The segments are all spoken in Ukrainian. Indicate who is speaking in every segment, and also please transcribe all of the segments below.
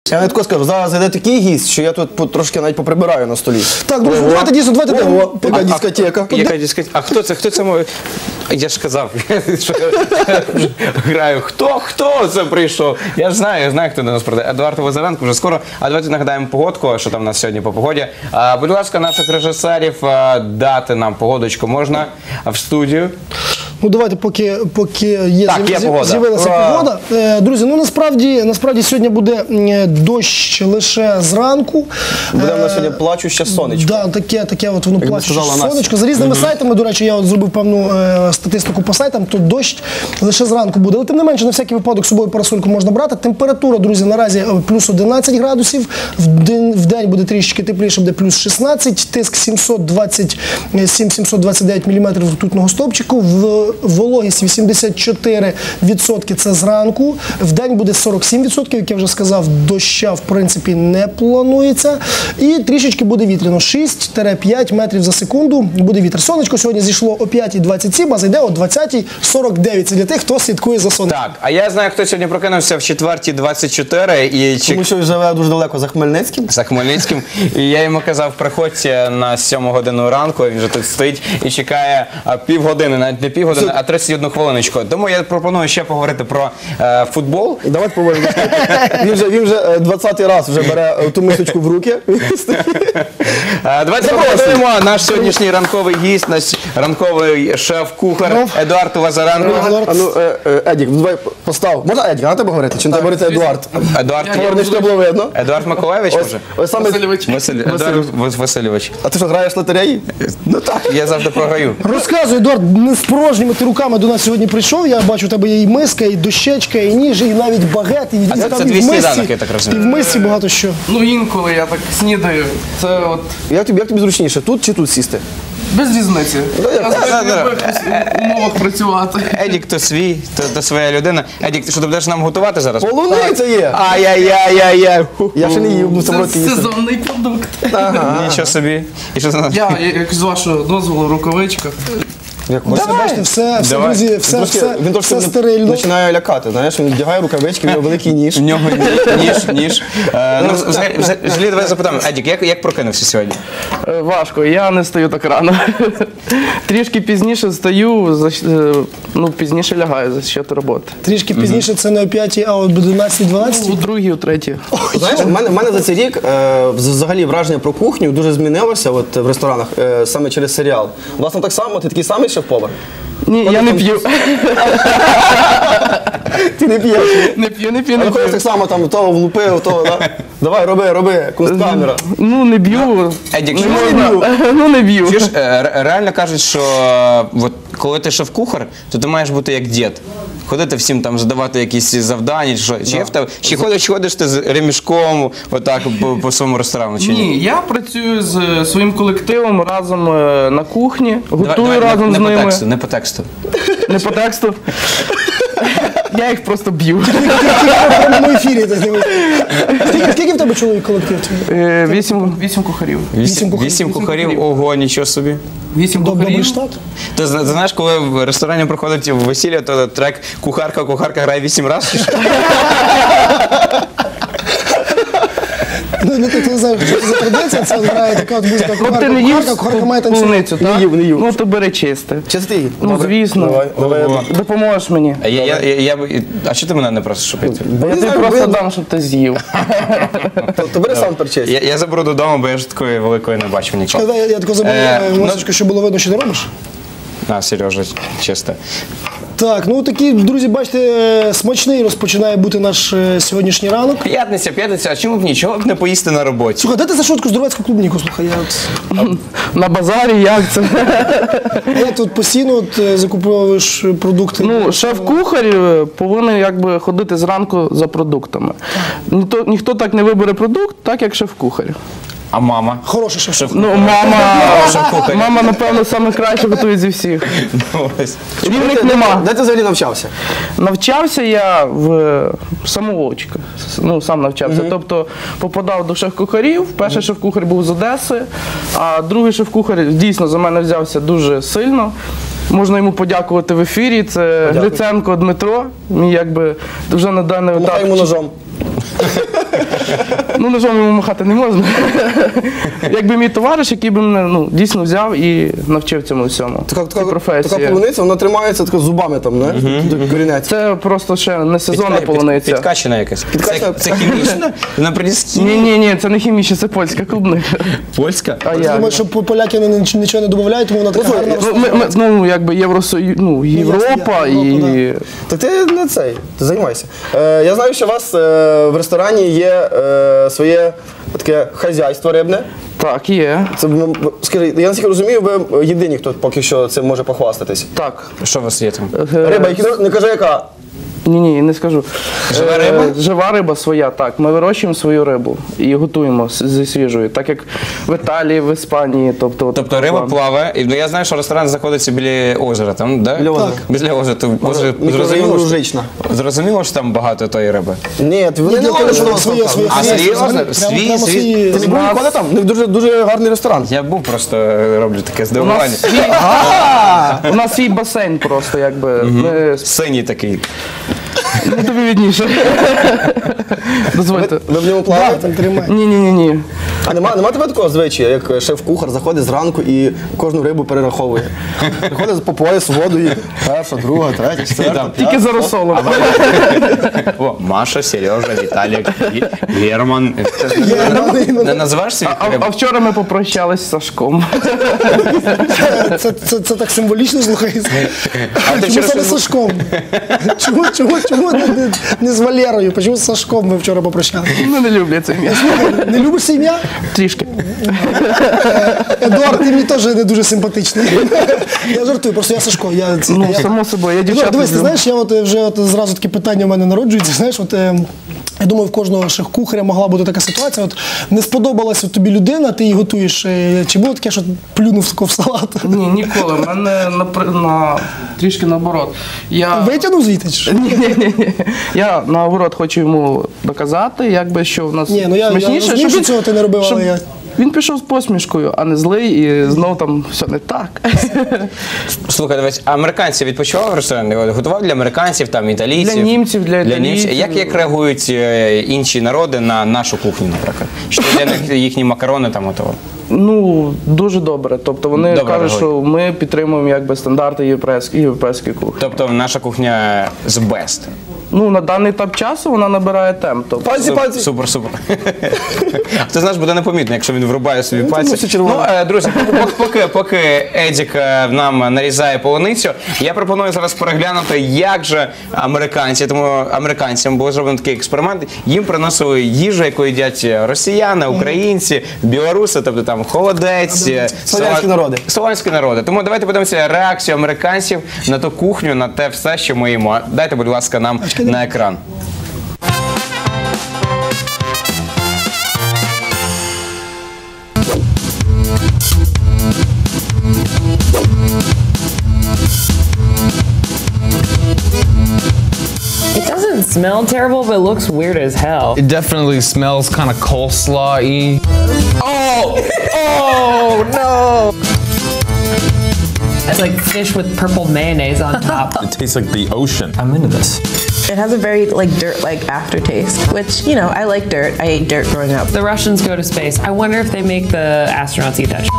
Speaker 1: Я навіть скажу, зараз йде такий гість, що я тут трошки навіть поприбираю на столі.
Speaker 2: Так, друзі, давайте дійсно,
Speaker 1: Яка дискотека.
Speaker 3: Яка дискотека? А хто це? Хто це мов? Я ж казав, що граю. Хто це прийшов? Я знаю, хто до нас прийде. Едуард Лазаренко вже скоро. А давайте нагадаємо погодку, що там у нас сьогодні по погоді. Будь ласка, наших режисерів, дати нам погодочку можна в студію.
Speaker 2: Ну давайте, поки з'явилася погода. Друзі, ну насправді сьогодні буде дощ лише зранку.
Speaker 1: Буде в нас сьогодні плачуще сонечко.
Speaker 2: Так, таке от воно плачуще сонечко. За різними сайтами, до речі, я от зробив певну статистику по сайтам, то дощ лише зранку буде. Але тим не менше, на всякий випадок з собою парасольку можна брати. Температура, друзі, наразі плюс 11 градусів. В день буде трішечки тепліше, буде плюс 16. Тиск 727-729 мм ртутного стовпчику. Вологість 84% це зранку. В день буде 47%, як я вже сказав, доща в принципі не планується. І трішечки буде вітряно. 6-5 метрів за секунду буде вітер. Сонечко сьогодні зійшло о 5:27, а зайде о 20:49. Це для тих, хто слідкує за сонечком.
Speaker 3: Так, а я знаю, хто сьогодні прокинувся в 4:24.
Speaker 1: Тому що живе дуже далеко за Хмельницьким.
Speaker 3: За Хмельницьким. І я йому казав, приходьте на 7 годину ранку, він вже тут стоїть і чекає півгодини, навіть не півгодини, а 31 хвилиночку. Тому я пропоную ще поговорити про футбол.
Speaker 1: Давайте поговоримо. Він вже 20-й раз вже бере ту мисочку в руки.
Speaker 3: Давайте поговоримо. Наш сьогоднішній ранковий гість, наш ранковий шеф-кухар Едуард Лазаренко.
Speaker 1: Едік, давай постав. Можна Едік, на тебе говорити? Чи не тебе говорити Едуард?
Speaker 3: Едуард,
Speaker 1: щоб було видно.
Speaker 3: Едуард Миколаївич, може? Едуард Васильович.
Speaker 1: А ти що, граєш в лотереї?
Speaker 3: Ну так, я завжди програю.
Speaker 2: Розказуй, Едуард, не з порожніми ти руками до нас сьогодні прийшов. Я бачу, у тебе є і миска, і дощечка, і ніж, і навіть багет, і
Speaker 3: це дві сніданки, я так розумію.
Speaker 2: І в мисці багато що.
Speaker 4: Ну інколи я так снідаю. Це от
Speaker 1: Як тобі зручніше, тут чи тут сісти?
Speaker 4: без різниці. Я завжди люблю в якихось умовах працювати.
Speaker 3: Едік то свій, то своя людина. Едік, ти що, ти будеш нам готувати зараз?
Speaker 1: Полуниця є!
Speaker 3: Ай-яй-яй-яй-яй.
Speaker 1: Я ще не їв, в цьому році
Speaker 4: Це
Speaker 1: їсти.
Speaker 4: сезонний продукт.
Speaker 3: Нічого собі. І що це?
Speaker 4: Я, як з вашого дозволу, рукавичка.
Speaker 2: Бачите, все, друзі,
Speaker 1: Він трошки
Speaker 2: все стерильно.
Speaker 1: починає лякати, знаєш, він вдягає рукавички, в нього великий ніж.
Speaker 3: В нього ніж. Ну, взагалі, давай запитаємо. Едік, як прокинувся сьогодні?
Speaker 4: Важко, я не стаю так рано. Трішки пізніше встаю, пізніше лягаю за счет роботи.
Speaker 2: Трішки пізніше, це не о 5, а о 11-12?
Speaker 4: У другій, у третій.
Speaker 1: Знаєш, в мене за цей рік взагалі враження про кухню дуже змінилося от, в ресторанах саме через серіал. Власне, так само, ти такий самий шеф-повар?
Speaker 4: Ні, я не п'ю.
Speaker 1: Ти не п'єш?
Speaker 4: Не п'ю.
Speaker 1: А ходиш так само, там, того влупив, того, да? Давай, роби, кунсткамера.
Speaker 4: Ну, не б'ю.
Speaker 3: Едік,
Speaker 4: Не б'ю.
Speaker 3: Реально кажуть, що коли ти шеф-кухар, то ти маєш бути як дід. Ходити всім там, задавати якісь завдання, чи ходиш ти з ремішком отак по своєму ресторану, чи ні?
Speaker 4: Ні, я працюю з своїм колективом разом на кухні, готую разом з ними.
Speaker 3: Не по тексту.
Speaker 4: Не по тексту. Я їх просто б'ю.
Speaker 2: В прямому ефірі. Скільки в тебе чоловік колектив?
Speaker 4: 8 кухарів.
Speaker 3: 8 кухарів? Ого, нічого собі.
Speaker 4: 8
Speaker 2: Добрий
Speaker 4: кухарів.
Speaker 2: штат?
Speaker 3: Ти знаєш, коли в ресторані проходить весілля, то трек «Кухарка грає 8 разів».
Speaker 2: Ну, ти не знаєш, що це за традиція, це грає така от музика
Speaker 4: Ти не їв
Speaker 2: кухарка має танцювати.
Speaker 4: полуницю, так?
Speaker 1: Не їв.
Speaker 4: Ну, то бери чисте.
Speaker 1: Чистий?
Speaker 4: Ну, звісно.
Speaker 1: Давай.
Speaker 4: Допоможеш мені.
Speaker 3: А що ти мене не просиш, щоб я це?
Speaker 4: Я тобі просто дам, щоб ти з'їв.
Speaker 1: То бери сам перчесть.
Speaker 3: Я заберу додому, бо я ж такої великої не бачив нічого.
Speaker 2: Я тако забув масочку, щоб було видно, що ти робиш.
Speaker 3: На, Сережа, чисто.
Speaker 2: Так, ну такі, друзі, бачите, смачний розпочинає бути наш сьогоднішній ранок.
Speaker 3: П'ятниця, а чому б нічого б не поїсти на роботі?
Speaker 2: Слухай, де ти за шутку здоровецьку клубніку? Слухай, я от...
Speaker 4: На базарі як це?
Speaker 2: А як тут постійно закуповуєш продукти?
Speaker 4: Ну, шеф-кухар повинен якби ходити зранку за продуктами. Ніхто так не вибере продукт, так як шеф-кухар.
Speaker 3: А мама?
Speaker 2: Хороший шеф.
Speaker 4: Ну, мама, напевно, саме краще готує зі всіх. Рівних нема.
Speaker 1: Де ти взагалі навчався?
Speaker 4: Навчався я в самоучка. Ну, сам навчався. Тобто попадав до шеф-кухарів. Перший шеф-кухар був з Одеси, а другий шеф-кухар дійсно за мене взявся дуже сильно. Можна йому подякувати в ефірі. Це Гриценко Дмитро. Мій якби вже на даний етап.
Speaker 1: Помахай йому ножом.
Speaker 4: Ну, ножом йому махати не можна. Якби мій товариш, який би мене дійсно взяв і навчив цьому всьому. Цій професії.
Speaker 1: Така полуниця, вона тримається така зубами там, не? Корінець.
Speaker 4: Це просто ще не сезонна полуниця.
Speaker 3: Підкачена якась.
Speaker 1: Підкачена.
Speaker 3: Це хімічна? На прилісті?
Speaker 4: Ні, це не хімічна, це польська клубника.
Speaker 3: Польська?
Speaker 4: А
Speaker 2: Я
Speaker 4: як?
Speaker 2: думаю, що поляки нічого не додають, тому вона така гарна.
Speaker 4: Ну, якби Європа і...
Speaker 1: Так ти не цей, ти займайся. Я знаю, що у вас в ресторані є своє таке хазяйство рибне.
Speaker 4: Так, є.
Speaker 1: Це, скажи, я наскільки розумію, ви єдині, хто поки що цим може похвастатись.
Speaker 4: Так.
Speaker 3: Що у вас є там?
Speaker 1: Риба, не кажи яка.
Speaker 4: Ні, не скажу.
Speaker 3: Жива риба?
Speaker 4: Жива риба своя, так. Ми вирощуємо свою рибу і готуємо зі свіжою, так як в Італії, в Іспанії.
Speaker 3: Тобто риба плаває, і я знаю, що ресторан знаходиться біля озера, там, да?
Speaker 1: Біля озера.
Speaker 3: Біля озера.
Speaker 1: Мікрорайон
Speaker 3: Зрозуміло, що там багато тої риби?
Speaker 1: Ні, вони не кажуть, що воно
Speaker 2: своє.
Speaker 3: А серйозно? Свій?
Speaker 1: Ти не був ніколи там? У них дуже гарний ресторан.
Speaker 3: Я був, просто роблю таке здивування.
Speaker 4: У нас свій басейн просто, якби. Ми
Speaker 3: Синій такий.
Speaker 4: Ну, тобі відніше. Дозвольте.
Speaker 1: Ви в ньому плаваєте?
Speaker 4: Ні.
Speaker 1: А нема тебе такого звичаю, як шеф-кухар заходить зранку і кожну рибу перераховує. Приходить по пояс воду і перша, друга, третя, четверта.
Speaker 4: Тільки за розсолом.
Speaker 3: О, Маша, Сережа, Віталік, Герман. Не називаєш свій рибу?
Speaker 4: А вчора ми попрощались з Сашком.
Speaker 2: Це так символічно, слухай.
Speaker 3: ти
Speaker 2: Чому
Speaker 3: вчора
Speaker 2: саме з Сашком? Чому не з Валерою? Чому з Сашком ми вчора попрощалися?
Speaker 4: Ну, не люблю це ім'я.
Speaker 2: Не любиш це ім'я?
Speaker 4: Трішки.
Speaker 2: Едуард, ти мені теж не дуже симпатичний. Я жартую, просто я Сашко.
Speaker 4: Ну, само собою, я дівчат
Speaker 2: Дивись, ти
Speaker 4: люблю.
Speaker 2: знаєш, я вже зразу таке питання в мене народжується. Знаєш, я думаю, в кожного шеф-кухаря могла бути така ситуація. Не сподобалася тобі людина, ти її готуєш. Чи було таке, що плюнув тако в салат?
Speaker 4: Ні, ніколи. У мене трішки наоборот.
Speaker 2: Витягнув звідти? Чи що?
Speaker 4: Ні. Я наоборот хочу йому доказати, якби, що в нас
Speaker 2: Ні, ну я
Speaker 4: смачніше,
Speaker 2: розумію, що цього ти не робив, але я...
Speaker 4: Він пішов з посмішкою, а не злий, і знов там все не так.
Speaker 3: Слухай, дивись, а американці відпочивали в ресторані? Готував для американців, там, італійців?
Speaker 4: Для німців, для італійців.
Speaker 3: Як реагують інші народи на нашу кухню, наприклад? Що для них їхні макарони там готували?
Speaker 4: Ну, дуже добре. Тобто вони
Speaker 3: Добре
Speaker 4: кажуть, що
Speaker 3: реагують.
Speaker 4: ми підтримуємо якби стандарти європейської кухні.
Speaker 3: Тобто наша кухня з best.
Speaker 4: Ну, на даний етап часу вона набирає темп. Тобто.
Speaker 1: Пальці.
Speaker 3: Супер. Ти знаєш, буде непомітно, якщо він врубає собі
Speaker 1: все
Speaker 3: пальці.
Speaker 1: червоне.
Speaker 3: Друзі, поки Едік нам нарізає полуницю, я пропоную зараз переглянути, як же американцям було зроблено такий експеримент. Їм приносили їжу, яку їдять росіяни, українці, білоруси, тобто там холодець,
Speaker 1: Слов'янські народи.
Speaker 3: Тому давайте подивимося реакцію американців на ту кухню, на те все, що ми їмо. Дайте, будь ласка, нам на екран.
Speaker 5: It doesn't smell terrible, but it looks weird as hell.
Speaker 6: It definitely smells kind of coleslaw-y.
Speaker 5: It's like fish with purple mayonnaise on top.
Speaker 7: It tastes like the ocean.
Speaker 6: I'm into this.
Speaker 8: It has a very dirt-like aftertaste, which, I like dirt. I ate dirt growing up.
Speaker 5: The Russians go to space. I wonder if they make the astronauts eat that.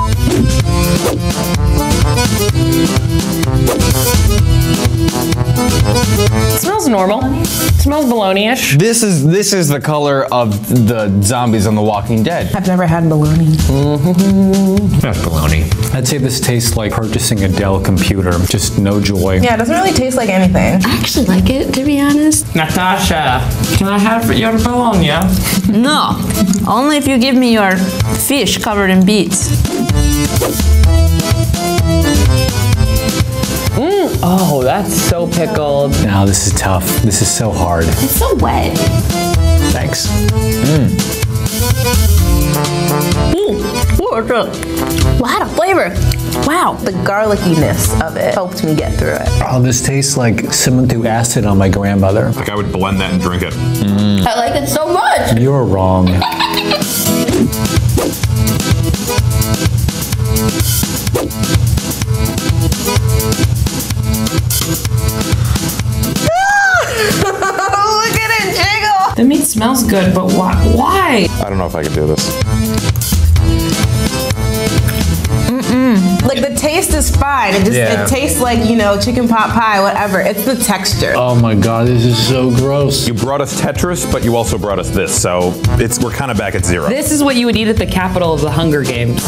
Speaker 5: It smells normal. It smells bologna-ish.
Speaker 6: This is the color of the zombies on The Walking Dead.
Speaker 8: I've never had bologna.
Speaker 6: That's bologna.
Speaker 9: I'd say this tastes like purchasing a Dell computer, just no joy.
Speaker 8: Yeah, it doesn't really taste like anything.
Speaker 10: I actually like it, to be honest.
Speaker 5: Natasha, can I have your bologna?
Speaker 10: No, only if you give me your fish covered in beets.
Speaker 5: Oh, that's so pickled.
Speaker 9: Now this is tough. This is so hard.
Speaker 10: It's so wet.
Speaker 9: Thanks.
Speaker 10: Ooh, it's a lot of flavor. Wow.
Speaker 8: The garlickiness of it helped me get through it.
Speaker 9: Oh, this tastes like Simmental acid on my grandmother.
Speaker 7: Like I would blend that and drink it.
Speaker 10: I like it so much.
Speaker 9: You're wrong.
Speaker 8: Look at it jiggle!
Speaker 5: The meat's smells good, but why?
Speaker 7: I don't know if I could do this.
Speaker 8: Like the taste is fine. It just
Speaker 6: Yeah.
Speaker 8: it tastes like, you know, chicken pot pie, whatever. It's the texture.
Speaker 9: Oh my god, this is so gross.
Speaker 7: You brought us Tetris, but you also brought us this, so we're kind of back at zero.
Speaker 5: This is what you would eat at the capital of the Hunger Games.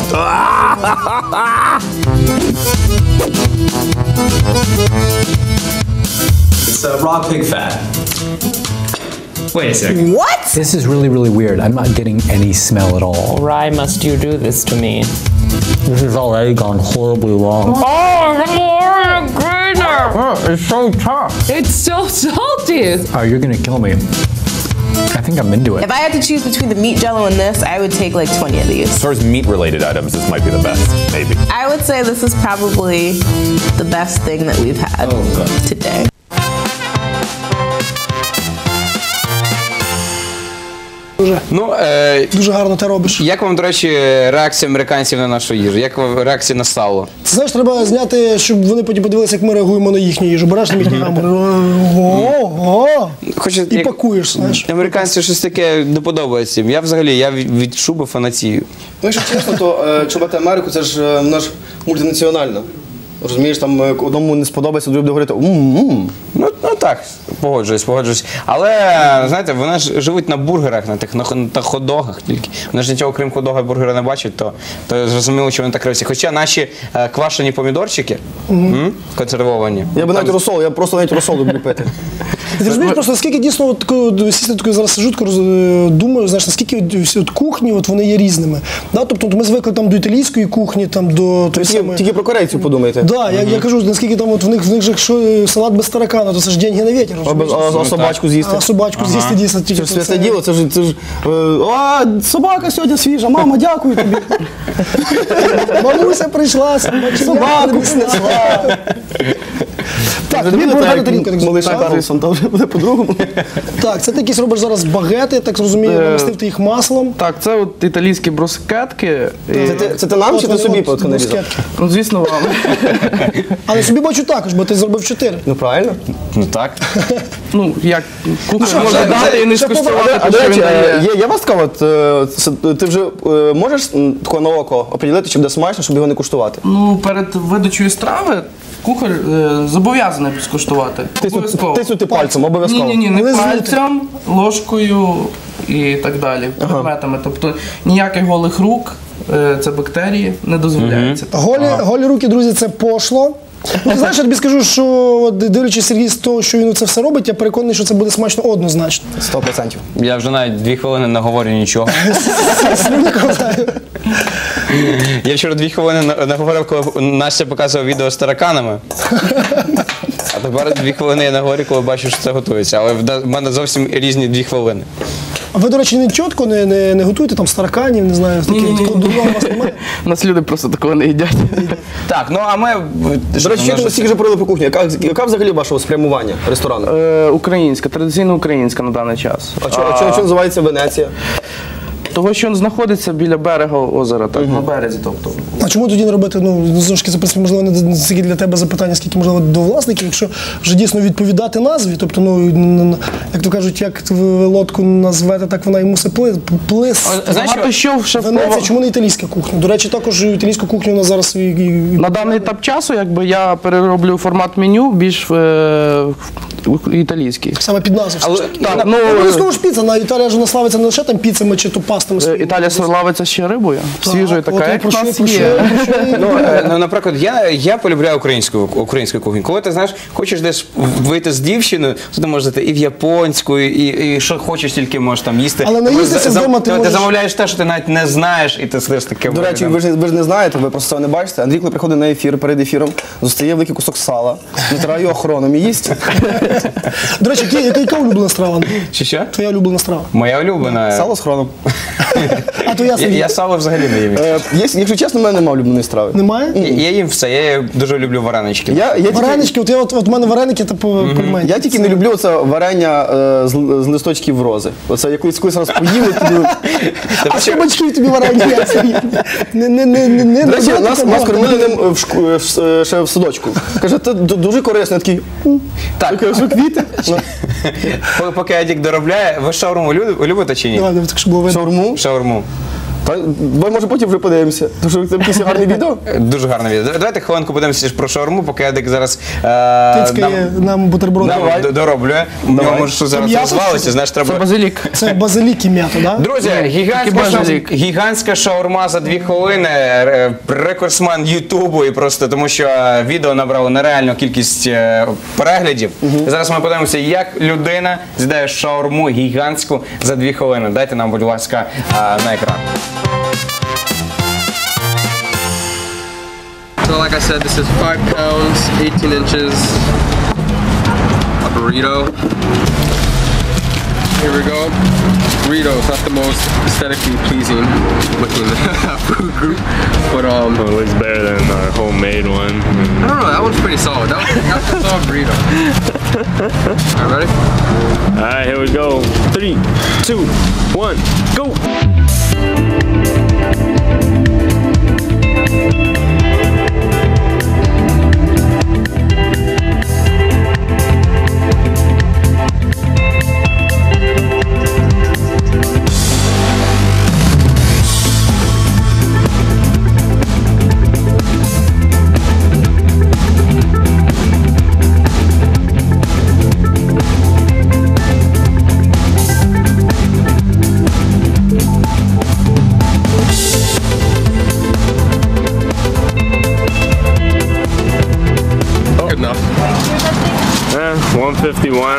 Speaker 11: It's raw pig fat. Wait a second.
Speaker 8: What?
Speaker 9: This is really, really weird. I'm not getting any smell at all.
Speaker 5: Why must you do this to me?
Speaker 9: This has already gone horribly wrong.
Speaker 4: It's so tough.
Speaker 5: It's so salty.
Speaker 9: Oh, you're gonna kill me. I think I'm into it.
Speaker 8: If I had to choose between the meat jello and this, I would take like 20 of these.
Speaker 7: As far as meat-related items, this might be the best, maybe.
Speaker 8: I would say this is probably the best thing that we've had today.
Speaker 3: Ну,
Speaker 2: Дуже гарно ти робиш.
Speaker 3: як вам, до речі, реакція американців на нашу їжу? Як вам реакція на сало?
Speaker 2: Це знаєш, треба зняти, щоб вони потім подивилися, як ми реагуємо на їхню їжу. Береш на їхній гамбургер, ого,
Speaker 3: Хоча,
Speaker 2: і пакуєш, знаєш.
Speaker 3: Американці щось таке не подобається їм. Я взагалі від шуби фанатію.
Speaker 1: Ну, якщо чесно, то чубати Америку, це ж вона ж мультинаціональна. Розумієш, там одному не сподобається, другий буде говорити
Speaker 3: Ну так, погоджуюсь. Але, знаєте, вони ж живуть на бургерах, на тих на хот-догах тільки. Вони ж нічого, крім хот-дога і бургера не бачать, то зрозуміло, що вони так кривці. Хоча наші квашені помідорчики, консервовані.
Speaker 1: Я би навіть розсол, я просто навіть розсол люблю пити.
Speaker 2: Ти розумієш, просто наскільки дійсно от, сісти такою зараз сижу, думаю, знаєш, наскільки всі от кухні от, вони є різними. Да? Тобто ми звикли там до італійської кухні, там до
Speaker 1: Тільки про корейців подумайте.
Speaker 2: Да, я кажу, наскільки там от в них же якщо салат без таракана, то це ж деньги на вітер.
Speaker 1: А собачку з'їсти?
Speaker 2: А собачку з'їсти дійсно тільки.
Speaker 1: Це ж святе діло, це ж собака сьогодні свіжа, мама, дякую тобі.
Speaker 2: Мамуся прийшла, собаку принесла. Так, тобі бургер тарілка, так
Speaker 1: Малиша Карлсон, там вже буде по-другому.
Speaker 2: Так, це ти якісь робиш зараз багети, так розумію, намастив ти їх маслом.
Speaker 4: Так, це от італійські брускетки.
Speaker 1: Це ти нам чи ти собі нарізав?
Speaker 4: Ну, звісно, вам.
Speaker 2: Але собі бачу також, бо ти зробив 4.
Speaker 1: Ну правильно.
Speaker 3: Ну так.
Speaker 4: Ну, як кухар може дати і не скуштувати,
Speaker 1: А
Speaker 4: то
Speaker 1: до
Speaker 4: що він
Speaker 1: речі,
Speaker 4: дає.
Speaker 1: є у вас така ти вже можеш тако на око оприділити, чи буде смачно, щоб його не куштувати?
Speaker 4: Ну, перед видачею страви кухар зобов'язаний скуштувати. Обов'язково.
Speaker 1: Тиснути пальцем, обов'язково.
Speaker 4: Ні, не пальцем, ложкою і так далі, предметами. Тобто ніяких голих рук, це бактерії, не дозволяється.
Speaker 2: Голі руки, друзі, це пошло. Ну, знаєш, я тобі скажу, що от, дивлячись Сергій з того, що він це все робить, я переконаний, що це буде смачно однозначно.
Speaker 1: 100%.
Speaker 3: Я вже навіть 2 хвилини не говорю нічого. Я вчора 2 хвилини наговорив, коли Настя показував відео з тараканами. А тепер 2 хвилини я наговорю, коли бачу, що це готується. Але в мене зовсім різні 2 хвилини.
Speaker 2: А ви, до речі, не чітко не готуєте там з тараканів, не знаю, такого дурного у вас немає?
Speaker 4: У нас люди просто такого не їдять.
Speaker 3: Так, ну а ми...
Speaker 1: До речі, ми стільки вже говорили про кухню. Яка взагалі вашого спрямування ресторану?
Speaker 4: Українська, традиційно українська на даний час.
Speaker 1: А чого називається Венеція?
Speaker 4: Того, що він знаходиться біля берега озера, так, на березі, тобто.
Speaker 2: А чому тоді не робити, ну, знову ж таки, це, в принципі, можливо, не стільки для тебе запитання, скільки, можливо, до власників, якщо вже дійсно відповідати назві, тобто, ну, як то кажуть, як ви лодку назвете, так вона і мусить плисти.
Speaker 4: Багато що в
Speaker 2: Венеція, чому не італійська кухня? До речі, також італійську кухню у нас зараз
Speaker 4: на даний етап часу, якби, я перероблю формат меню більш італійський.
Speaker 2: Саме під назву.
Speaker 4: Так, ну,
Speaker 2: обов'язково ж піца, на Італія ж славиться не лише там піцами чи то пастами своїми.
Speaker 4: Італія славиться ще рибою, свіжою така, як в нас є.
Speaker 3: Ну, наприклад, я полюбляю українську кухню. Коли ти, знаєш, хочеш десь вийти з дівчиною, то ти можеш зайти і в японську, і що хочеш, тільки можеш там їсти.
Speaker 2: Але наїстися вдома ти можеш.
Speaker 3: Ти замовляєш те, що ти навіть не знаєш, і ти сидиш таке.
Speaker 1: До речі, ви ж не знаєте, ви просто цього не бачите. Андрій, коли приходить на ефір, перед ефіром, зостає великий кусок сала, натирає його хроном і їсть.
Speaker 2: До речі, яка улюблена страва?
Speaker 3: Чи що?
Speaker 2: Твоя улюблена страва?
Speaker 3: Моя улюблена.
Speaker 1: Сало з хроном.
Speaker 2: А то я
Speaker 3: Я сало взагалі не їм.
Speaker 1: Якщо чесно, в мене немає улюбленої страви.
Speaker 2: Немає?
Speaker 3: Я їм все, я дуже люблю варенички.
Speaker 2: Варенички, от в мене вареники, типу, пельмені.
Speaker 1: Я тільки не люблю оце варення з листочків рози. Оце я колись раз поїв.
Speaker 2: А що батьків тобі варення?
Speaker 1: До речі, нас кормили ним ще в садочку. Каже, це дуже корисно. Я такий,
Speaker 3: так,
Speaker 1: що квіти?
Speaker 3: Поки Едік доробляє, ви шаурму любите чи ні? Шаурму.
Speaker 1: Давай, може, потім вже подивимося. Тому що це якесь гарне відео.
Speaker 3: Дуже гарне відео. Давайте хвилинку подивимося про шаурму, поки Едик зараз
Speaker 2: нам бутерброд
Speaker 3: дороблює. У нього може що зараз розвалиться, знаєш, треба...
Speaker 4: Це базилік.
Speaker 2: Це базилік і м'ято, так?
Speaker 3: Друзі, гігантська шаурма за 2 хвилини, рекордсмен Ютубу, і просто тому що відео набрало нереальну кількість переглядів. Зараз ми подивимося, як людина з'їдає шаурму гігантську за 2 хвилини. Дайте нам, будь ласка, на екран.
Speaker 12: So like I said, this is 5 pounds, 18 inches, a burrito. Here we go. Burrito is not the most aesthetically pleasing looking food group, but
Speaker 13: well, it looks better than our homemade one.
Speaker 12: I don't know, that one's pretty solid. That's a solid burrito. Alright, ready?
Speaker 13: Alright, here we go. 3, 2, 1, go!
Speaker 12: Good enough.
Speaker 13: 151.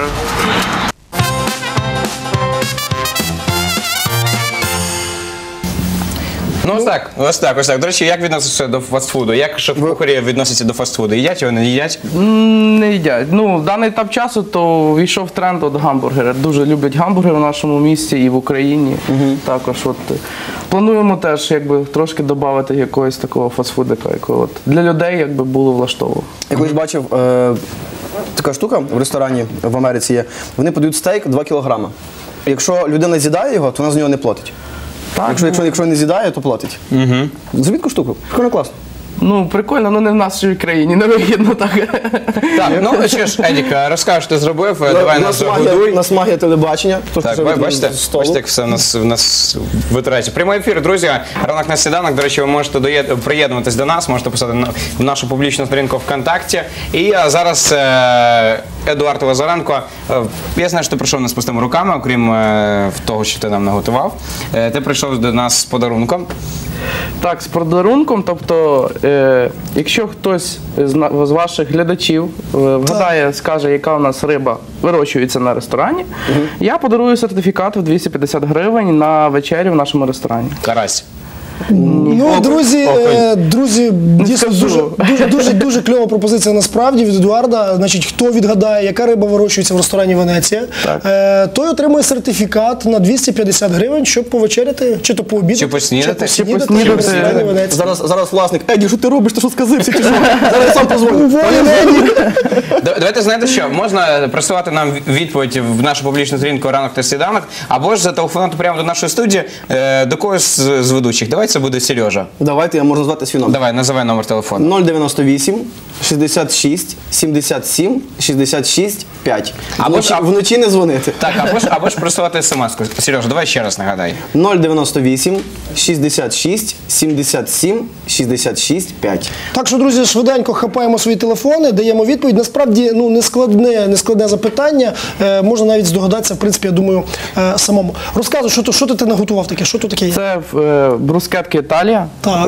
Speaker 3: Ну ось так. До речі, як відноситься до фастфуду? Як шеф-кухарі відносяться до фастфуду? Їдять його, не їдять?
Speaker 4: Не їдять. Ну, в даний етап часу то війшов тренд от гамбургери. Дуже люблять гамбургери в нашому місті і в Україні. Також от плануємо теж якби трошки додати якогось такого фастфудика, якого от для людей якби було влаштовано.
Speaker 1: Я колись бачив така штука в ресторані в Америці є. Вони подають стейк 2 кілограма. Якщо людина з'їдає його, то вона з нього не платить.
Speaker 4: Так,
Speaker 1: якщо не з'їдає, то платить. Зробіть таку штуку. Прикольно, класно.
Speaker 4: Ну, прикольно, але не в нашій країні, не вигідно так.
Speaker 3: Так, ну що ж, Едік, розкажеш, ти зробив, давай нас годуй.
Speaker 1: У нас магія телебачення.
Speaker 3: Так, бачите, як все в нас витирається. Прямий ефір, друзі, ранок на сніданок. До речі, ви можете приєднуватись до нас, можете писати в нашу публічну сторінку ВКонтакті. І зараз Едуард Лазаренко, я знаю, що ти прийшов не з пустими руками, окрім того, що ти нам наготував. Ти прийшов до нас з подарунком.
Speaker 4: Так, з подарунком, тобто, якщо хтось з ваших глядачів вгадає, скаже, яка у нас риба вирощується на ресторані, я подарую сертифікат в 250 гривень на вечерю в нашому ресторані.
Speaker 3: Карась.
Speaker 2: Ну, друзі, дійсно дуже кльова пропозиція насправді від Едуарда. Значить, хто відгадає, яка риба вирощується в ресторані Венеція, той отримує сертифікат на 250 гривень, щоб повечеряти, чи то пообідати,
Speaker 3: чи поснідати
Speaker 2: в ресторані Венеція.
Speaker 1: Зараз власник, Еді, що ти робиш, ти що сказився, чи що? Зараз я сам позвоню.
Speaker 3: Давайте, знаєте що, можна присилати нам відповідь в нашу публічну сторінку «Ранок та сніданок», або ж зателефонувати прямо до нашої студії, до когось з ведучих. Давайте це буде Сережа.
Speaker 1: Давайте, я можу назвати свій номер.
Speaker 3: Давай, називай номер телефону.
Speaker 1: 098 66 77 66 5. Вночі не дзвонити.
Speaker 3: Так, або ж присилати смс-ку. Сережа, давай ще раз нагадай.
Speaker 1: 098 66 77 66 5.
Speaker 2: Так що, друзі, швиденько хапаємо свої телефони, даємо відповідь. Насправді, ну, нескладне запитання. Можна навіть здогадатися, в принципі, я думаю, самому. Розказуй, що ти наготував таке? Що тут таке є?
Speaker 4: Це брускетки Італія.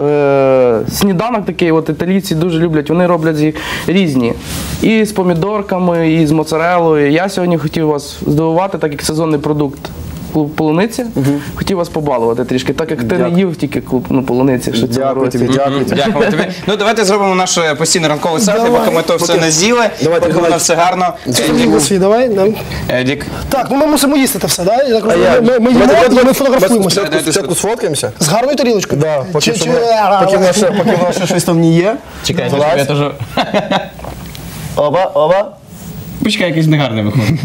Speaker 4: Сніданок такий, от італійці дуже люблять, вони роблять їх різні. І з помідорками, і з моцарелою. Я сьогодні хотів вас здивувати, так як сезонний продукт клуб полуниці. Хотів вас побалувати трішки, так як ти не їв тільки клуб полуниці. Що цього
Speaker 1: Дякую
Speaker 4: році.
Speaker 1: тобі, дякую.
Speaker 3: Дякую тобі. Ну давайте зробимо наш постійний ранковий селфі, поки ми то все не з'їли, поки воно все гарно.
Speaker 2: Свій, давай. Да.
Speaker 3: Едік.
Speaker 2: Так, ну ми мусимо їсти це все, да? Я так розумію, ми їмо і ми фотографуємося.
Speaker 1: Спочатку сфоткаємося.
Speaker 2: З гарною тарілочкою?
Speaker 1: Да, поки воно ще щось там не є.
Speaker 3: Чекай, я теж...
Speaker 1: Оба.
Speaker 3: Почекай, якийсь негарний виходить.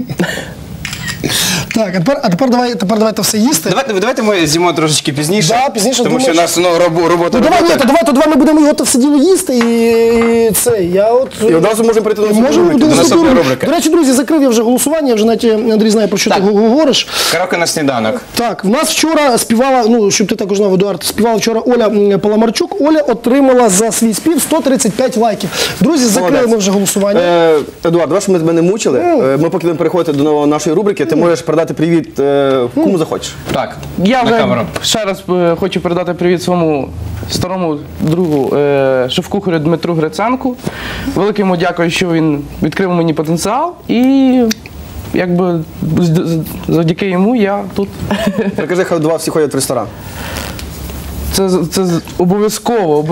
Speaker 2: Так, а тепер давайте все їсти.
Speaker 3: Давайте ми з'їмо трошечки пізніше,
Speaker 2: Да, пізніше,
Speaker 3: тому що у нас робота.
Speaker 2: Давай ми будемо його все діло їсти і це.
Speaker 1: І одразу можемо перейти до
Speaker 3: наступної рубрики.
Speaker 2: До речі, друзі, закрив я вже голосування, я вже навіть Андрій знає, про що ти говориш.
Speaker 3: Караоке на сніданок.
Speaker 2: Так, в нас вчора співала, ну, щоб ти також знав, Едуард, співала вчора Оля Паламарчук. Оля отримала за свій спів 135 лайків. Друзі, закрили ми вже голосування.
Speaker 1: Едуард, давай, щоб ми тебе не мучили. Ми поки будемо переходити до нашої рубрики, ти можеш передати привіт кому захочеш.
Speaker 3: Так,
Speaker 4: Я
Speaker 3: на
Speaker 4: вже
Speaker 3: камеру.
Speaker 4: ще раз хочу передати привіт своєму старому другу шеф-кухарю Дмитру Гриценку. Велике йому дякую, що він відкрив мені потенціал і якби завдяки йому я тут.
Speaker 1: Прикажи, хай два всі ходять в ресторан.
Speaker 4: Це обов'язково.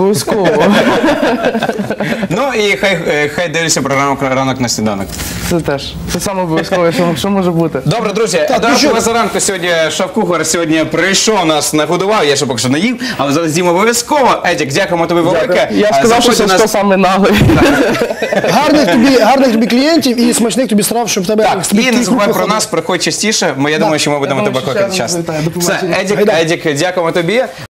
Speaker 3: Ну і хай дивляться програму «Ранок на сніданок».
Speaker 4: Це теж. Це саме обов'язково, що може бути.
Speaker 3: Добре, друзі, Едуард Лазаренко сьогодні, шеф-кухар, сьогодні прийшов, нас нагодував, я ще поки що не їв, але зараз з'їм обов'язково. Едік, дякуємо тобі велике.
Speaker 4: Я сказав, що це саме наглий.
Speaker 2: Гарних тобі клієнтів і смачних тобі страв, щоб тебе...
Speaker 3: Так, і не забувай про нас, приходь частіше, я думаю, що ми будемо тебе кликати часто. Все, Едік, дякуємо тобі.